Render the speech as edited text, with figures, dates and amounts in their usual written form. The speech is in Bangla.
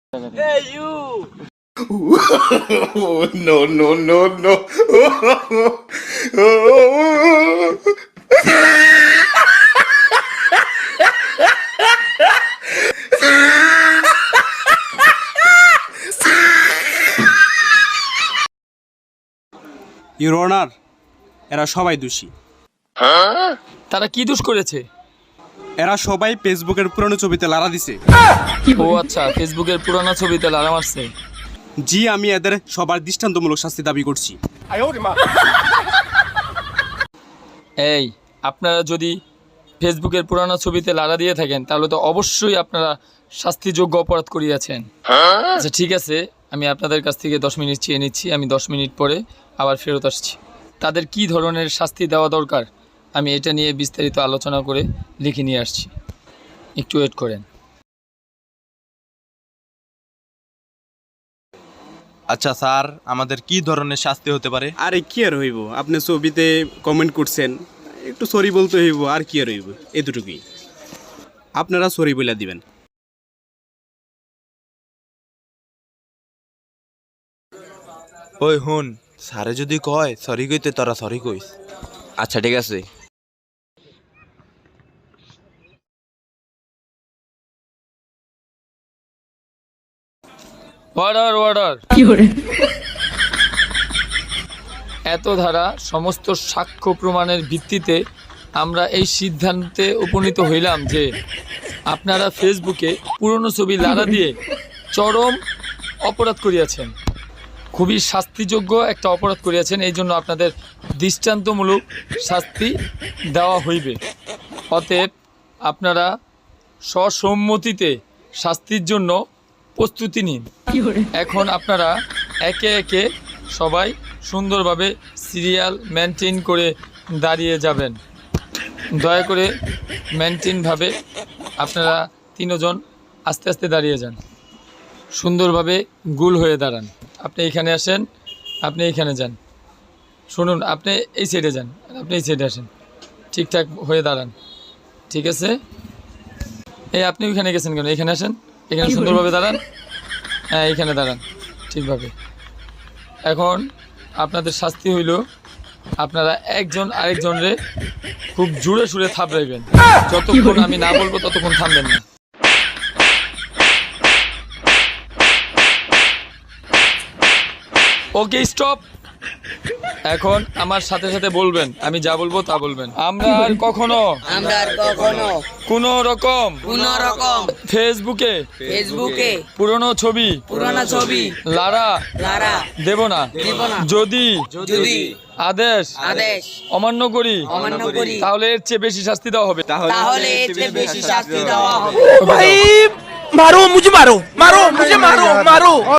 Hey, you! No, no, no, no. Your honour, এরা সবাই দোষী। তারা কি দোষ করেছে? এরা সবাই ফেসবুকের পুরনো ছবিতে লারা দিছে। ও আচ্ছা, ফেসবুকের পুরানো ছবিতে লারা মারছে। জি, আমি এদের সবার দৃষ্টান্তমূলক শাস্তি দাবি করছি। এই, আপনারা যদি ফেসবুকের পুরানো ছবিতে লারা দিয়ে থাকেন তাহলে তো অবশ্যই আপনারা শাস্তিযোগ্য অপরাধ করিয়াছেন। আচ্ছা ঠিক আছে, আমি আপনাদের কাছ থেকে 10 মিনিট চেয়ে নিচ্ছি। আমি 10 মিনিট পরে আবার ফেরত আসছি। তাদের কি ধরনের শাস্তি দেওয়া দরকার আমি এটা নিয়ে বিস্তারিত আলোচনা করে লিখে নিয়ে আসছি, একটু ওয়েট করেন। আচ্ছা স্যার, আমাদের কি ধরনের শাস্তি হতে পারে? আরে কি আর হইব, আপনি ছবিতে কমেন্ট করছেন, একটু সরি বলতে হইব, আর কি আর হইব, এতটুকুই। আপনারা সরি বলে দিবেন। ওই হুন, স্যারে যদি কয় সরি কইতে তোরা সরি কইস। আচ্ছা ঠিক আছে। Order order. এত ধারা সমস্ত সাক্ষ্য প্রমাণের ভিত্তিতে আমরা এই সিদ্ধান্তে উপনীত হইলাম যে আপনারা ফেসবুকে পুরনো ছবি লারা দিয়ে চরম অপরাধ করিয়াছেন, খুবই শাস্তিযোগ্য একটা অপরাধ করিয়াছেন। এই জন্য আপনাদের দৃষ্টান্তমূলক শাস্তি দেওয়া হইবে। অতএব আপনারা সসম্মতিতে শাস্তির জন্য প্রস্তুতি নিন। এখন আপনারা একে একে সবাই সুন্দরভাবে সিরিয়াল মেনটেন করে দাঁড়িয়ে যাবেন। দয়া করে মেনটেনভাবে আপনারা 3 জন আস্তে আস্তে দাঁড়িয়ে যান, সুন্দরভাবে গোল হয়ে দাঁড়ান। আপনি এখানে আসেন, আপনি এখানে যান। শুনুন, আপনি এই সাইডে যান, আপনি এই সাইডে আসেন, ঠিকঠাক হয়ে দাঁড়ান। ঠিক আছে? এই আপনি ওইখানে গেছেন কেন? এখানে আসেন, এখানে সুন্দরভাবে দাঁড়ান। হ্যাঁ, এইখানে দাঁড়ান ঠিকভাবে। এখন আপনাদের শাস্তি হইল আপনারা একজন আরেকজনরে খুব জোরে সুরে থাপড়াইবেন। যতক্ষণ আমি না বলবো ততক্ষণ থামবেন না। Okay, stop. এখন আমার সাথে সাথে বলবেন, আমি যা বলবো তা বলবেন। আমরা আর কখনো কোনো রকম ফেসবুকে পুরনো ছবি লারা দেব না। যদি আদেশ অমান্য করি তাহলে এর চেয়ে বেশি শাস্তি দেওয়া হবে। भाई मारो मुझे, मारो मुझे, मारो